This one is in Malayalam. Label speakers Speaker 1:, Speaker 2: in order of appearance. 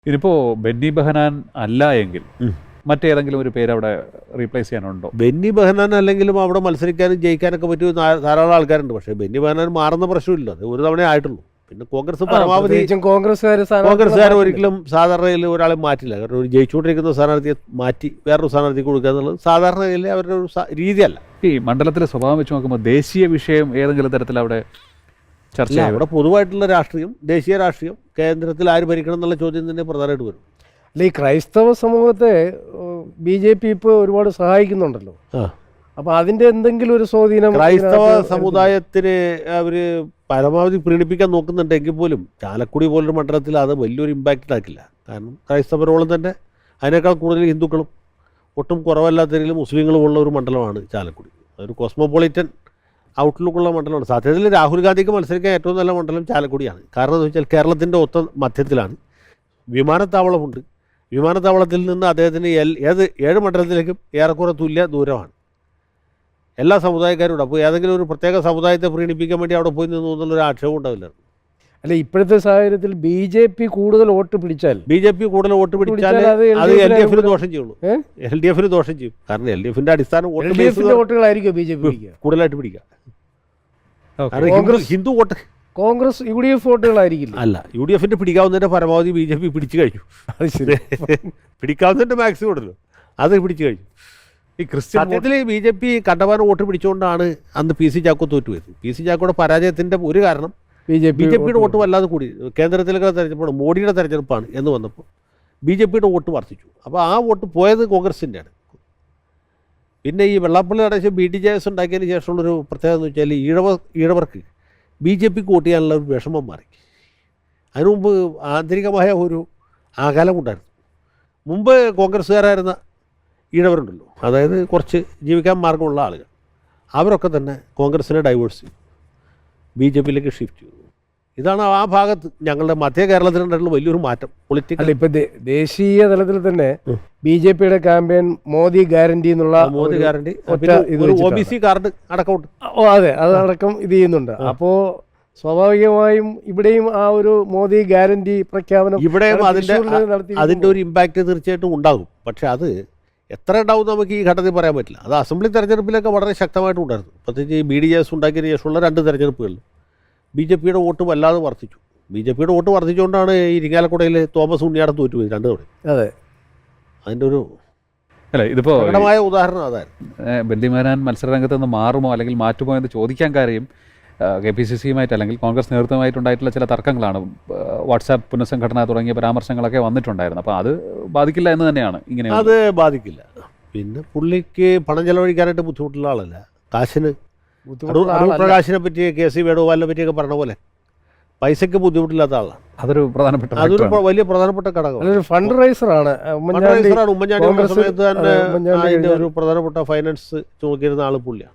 Speaker 1: ഇതിപ്പോൾ ബെന്നി ബെഹനാൻ അല്ല എങ്കിൽ മറ്റേതെങ്കിലും ഒരു പേര് അവിടെ റീപ്ലേസ് ചെയ്യാനുണ്ടോ?
Speaker 2: ബെന്നി ബെഹനാൻ അല്ലെങ്കിലും അവിടെ മത്സരിക്കാനും ജയിക്കാനൊക്കെ പറ്റിയ ധാരാളം ആൾക്കാരുണ്ട്. പക്ഷേ ബെന്നി ബെഹനാൻ മാറുന്ന പ്രശ്നമില്ല, അത് ഒരു തവണയേ ആയിട്ടുള്ളൂ. പിന്നെ കോൺഗ്രസ് പരമാവധി കോൺഗ്രസ്സുകാർ ഒരിക്കലും സാധാരണയിൽ ഒരാളെ മാറ്റില്ല. കാരണം ഒരു ജയിച്ചുകൊണ്ടിരിക്കുന്ന സ്ഥാനാർത്ഥിയെ മാറ്റി വേറൊരു സ്ഥാനാർത്ഥിക്ക് കൊടുക്കുക എന്നുള്ളത് സാധാരണയിൽ അവരുടെ ഒരു രീതിയല്ല.
Speaker 1: ഈ മണ്ഡലത്തിലെ സ്വഭാവം വെച്ച് നോക്കുമ്പോൾ ദേശീയ വിഷയം ഏതെങ്കിലും തരത്തിൽ അവിടെ ചർച്ച
Speaker 2: അവിടെ പൊതുവായിട്ടുള്ള രാഷ്ട്രീയം, ദേശീയ രാഷ്ട്രീയം, കേന്ദ്രത്തിൽ ആര് ഭരിക്കണം എന്നുള്ള ചോദ്യം തന്നെ പ്രധാനമായിട്ട് വരും.
Speaker 3: അല്ല, ഈ ക്രൈസ്തവ സമൂഹത്തെ BJP ഇപ്പോൾ ഒരുപാട് സഹായിക്കുന്നുണ്ടല്ലോ. അപ്പോൾ അതിൻ്റെ എന്തെങ്കിലും ഒരു സ്വാധീനം
Speaker 2: ക്രൈസ്തവ സമുദായത്തിന് അവർ പരമാവധി പ്രീണിപ്പിക്കാൻ നോക്കുന്നുണ്ടെങ്കിൽ പോലും ചാലക്കുടി പോലൊരു മണ്ഡലത്തിൽ അത് വലിയൊരു ഇമ്പാക്റ്റ് ആക്കില്ല. കാരണം ക്രൈസ്തവരോളം തന്നെ അതിനേക്കാൾ കൂടുതൽ ഹിന്ദുക്കളും ഒട്ടും കുറവല്ലാത്ത രീതിയിൽ മുസ്ലിങ്ങളും ഉള്ള ഒരു മണ്ഡലമാണ് ചാലക്കുടി. അതൊരു കോസ്മോപൊളിറ്റൻ ഔട്ട്ലുക്കുള്ള മണ്ഡലമാണ്. സത്യത്തിൽ രാഹുൽ ഗാന്ധിക്ക് മത്സരിക്കാൻ ഏറ്റവും നല്ല മണ്ഡലം ചാലക്കുടിയാണ്. കാരണം എന്ന് വെച്ചാൽ കേരളത്തിൻ്റെ ഒത്ത മധ്യത്തിലാണ്, വിമാനത്താവളമുണ്ട്. വിമാനത്താവളത്തിൽ നിന്ന് അദ്ദേഹത്തിന് 7 മണ്ഡലത്തിലേക്കും ഏറെക്കുറെ തുല്യ ദൂരമാണ്. എല്ലാ സമുദായക്കാരും ഉണ്ട്. അപ്പോൾ ഏതെങ്കിലും ഒരു പ്രത്യേക സമുദായത്തെ പ്രീണിപ്പിക്കാൻ വേണ്ടി അവിടെ പോയി നിന്നു എന്നുള്ളൊരു ആക്ഷേപം ഉണ്ടാവില്ല.
Speaker 3: അല്ല, ഇപ്പോഴത്തെ സാഹചര്യത്തിൽ BJP കൂടുതൽ വോട്ട് പിടിച്ചാൽ
Speaker 2: അത് LDF-ന് ദോഷം ചെയ്യുള്ളൂ. LDF-ന് ദോഷം ചെയ്യും. കാരണം LDF-ന്റെ അടിസ്ഥാന
Speaker 3: വോട്ടുകളായിരിക്കും BJP
Speaker 2: കൂടുതലായിട്ട് പിടിക്കുക. ഹിന്ദു വോട്ട്
Speaker 3: കോൺഗ്രസ് UDF വോട്ടുകളായിരിക്കില്ല.
Speaker 2: അല്ല, UDF-ന്റെ പിടിക്കാവുന്നതിന്റെ പരമാവധി BJP പിടിച്ചു കഴിഞ്ഞു. അത് ശരി, പിടിക്കാവുന്നതിന്റെ മാക്സിമം ഉണ്ടല്ലോ, അത് പിടിച്ചു കഴിഞ്ഞു. ഈ സത്യത്തിൽ BJP കണ്ടമാനം വോട്ട് പിടിച്ചുകൊണ്ടാണ് അന്ന് PC ചാക്കോ തോറ്റുപോയത്. PC ചാക്കോയുടെ പരാജയത്തിന്റെ ഒരു കാരണം BJP-യുടെ വോട്ട് വല്ലാതെ കൂടി. കേന്ദ്രത്തിലൊക്കെ തെരഞ്ഞെടുപ്പാണ്, മോഡിയുടെ തെരഞ്ഞെടുപ്പാണ് എന്ന് വന്നപ്പോൾ BJP-യുടെ വോട്ട് വർദ്ധിച്ചു. അപ്പോൾ ആ വോട്ട് പോയത് കോൺഗ്രസിൻ്റെയാണ്. പിന്നെ ഈ വെള്ളാപ്പള്ളി നടേശം BDJS ഉണ്ടാക്കിയതിന് ശേഷമുള്ളൊരു പ്രത്യേകത എന്ന് വെച്ചാൽ ഈഴവർക്ക് BJP-ക്ക് വോട്ട് ചെയ്യാനുള്ള ഒരു വിഷമം മാറി. അതിനു മുമ്പ് ആന്തരികമായ ഒരു ആകാലമുണ്ടായിരുന്നു. മുമ്പ് കോൺഗ്രസ്സുകാരായിരുന്ന ഈഴവരുണ്ടല്ലോ, അതായത് കുറച്ച് ജീവിക്കാൻ മാർഗമുള്ള ആളുകൾ, അവരൊക്കെ തന്നെ കോൺഗ്രസിനെ ഡൈവേഴ്സ് ചെയ്തു, BJP-യിലേക്ക് ഷിഫ്റ്റ് ചെയ്തു. ഇതാണ് ആ ഭാഗത്ത് ഞങ്ങളുടെ മധ്യ കേരളത്തിലുണ്ടായിട്ടുള്ള വലിയൊരു മാറ്റം. പൊളിറ്റിക്കൽ
Speaker 3: ഇപ്പം ദേശീയ തലത്തിൽ തന്നെ BJP-യുടെ ക്യാമ്പയിൻ മോദി ഗ്യാരണ്ടി എന്നുള്ള
Speaker 2: മോദി ഗ്യാരണ്ടി, OBC കാർഡ് അടക്കമുണ്ട്.
Speaker 3: അതെ, അതടക്കം ഇത് ചെയ്യുന്നുണ്ട്. അപ്പോൾ സ്വാഭാവികമായും ഇവിടെയും ആ ഒരു മോദി ഗ്യാരണ്ടി പ്രഖ്യാപനം
Speaker 2: ഇവിടെയും അതിൻ്റെ ഒരു ഇമ്പാക്റ്റ് തീർച്ചയായിട്ടും ഉണ്ടാകും. പക്ഷെ അത് എത്ര ഉണ്ടാവും നമുക്ക് ഈ ഘട്ടത്തിൽ പറയാൻ പറ്റില്ല. അത് അസംബ്ലി തെരഞ്ഞെടുപ്പിലൊക്കെ വളരെ ശക്തമായിട്ട് ഉണ്ടായിരുന്നു. പ്രത്യേകിച്ച് ഈ BDJS ഉണ്ടാക്കിയതിന് ശേഷമുള്ള 2 തെരഞ്ഞെടുപ്പുകളിൽ BJP-യുടെ വോട്ട് വല്ലാതെ വർദ്ധിച്ചു. BJP-യുടെ വോട്ട് വർദ്ധിച്ചുകൊണ്ടാണ് ഈ ഇരിങ്ങാലക്കുടയിൽ തോമസ് ഉണ്ണിയാടൻ തോറ്റുപോയി 2 തവണ.
Speaker 3: അതെ,
Speaker 2: അതിൻ്റെ ഒരു
Speaker 1: ഇതിപ്പോൾ
Speaker 2: ഉദാഹരണം അതായിരുന്നു.
Speaker 1: ബെന്നി ബെഹനാൻ മത്സരരംഗത്ത് നിന്ന് മാറുമോ അല്ലെങ്കിൽ മാറ്റുമോ എന്ന് ചോദിക്കാൻ കാര്യം KPCC-യുമായിട്ട് അല്ലെങ്കിൽ കോൺഗ്രസ് നേതൃത്വമായിട്ടുണ്ടായിട്ടുള്ള ചില തർക്കങ്ങളാണ്. വാട്സാപ്പ് പുനഃസംഘടന തുടങ്ങിയ പരാമർശങ്ങളൊക്കെ വന്നിട്ടുണ്ടായിരുന്നു. അപ്പോൾ അത് ബാധിക്കില്ല എന്ന് തന്നെയാണ്. ഇങ്ങനെ
Speaker 2: അത് ബാധിക്കില്ല. പിന്നെ പുള്ളിക്ക് പണം ചെലവഴിക്കാനായിട്ട് ബുദ്ധിമുട്ടുള്ള ആളല്ല. കാശിന് പ്രകാശിനെ പറ്റി, KC വേണുഗോപാലിനെ പറ്റിയൊക്കെ പറഞ്ഞ പോലെ പൈസയ്ക്ക് ബുദ്ധിമുട്ടില്ലാത്ത ആളാണ്.
Speaker 1: അതൊരു
Speaker 2: വലിയ പ്രധാനപ്പെട്ട ഘടകം.
Speaker 3: ഫണ്ട് റൈസറാണ്.
Speaker 2: ഉമ്മൻചാണ്ടി സമയത്ത് തന്നെ അതിൻ്റെ ഒരു പ്രധാനപ്പെട്ട ഫൈനാൻസ് നോക്കിയിരുന്ന ആൾ പുള്ളിയാണ്.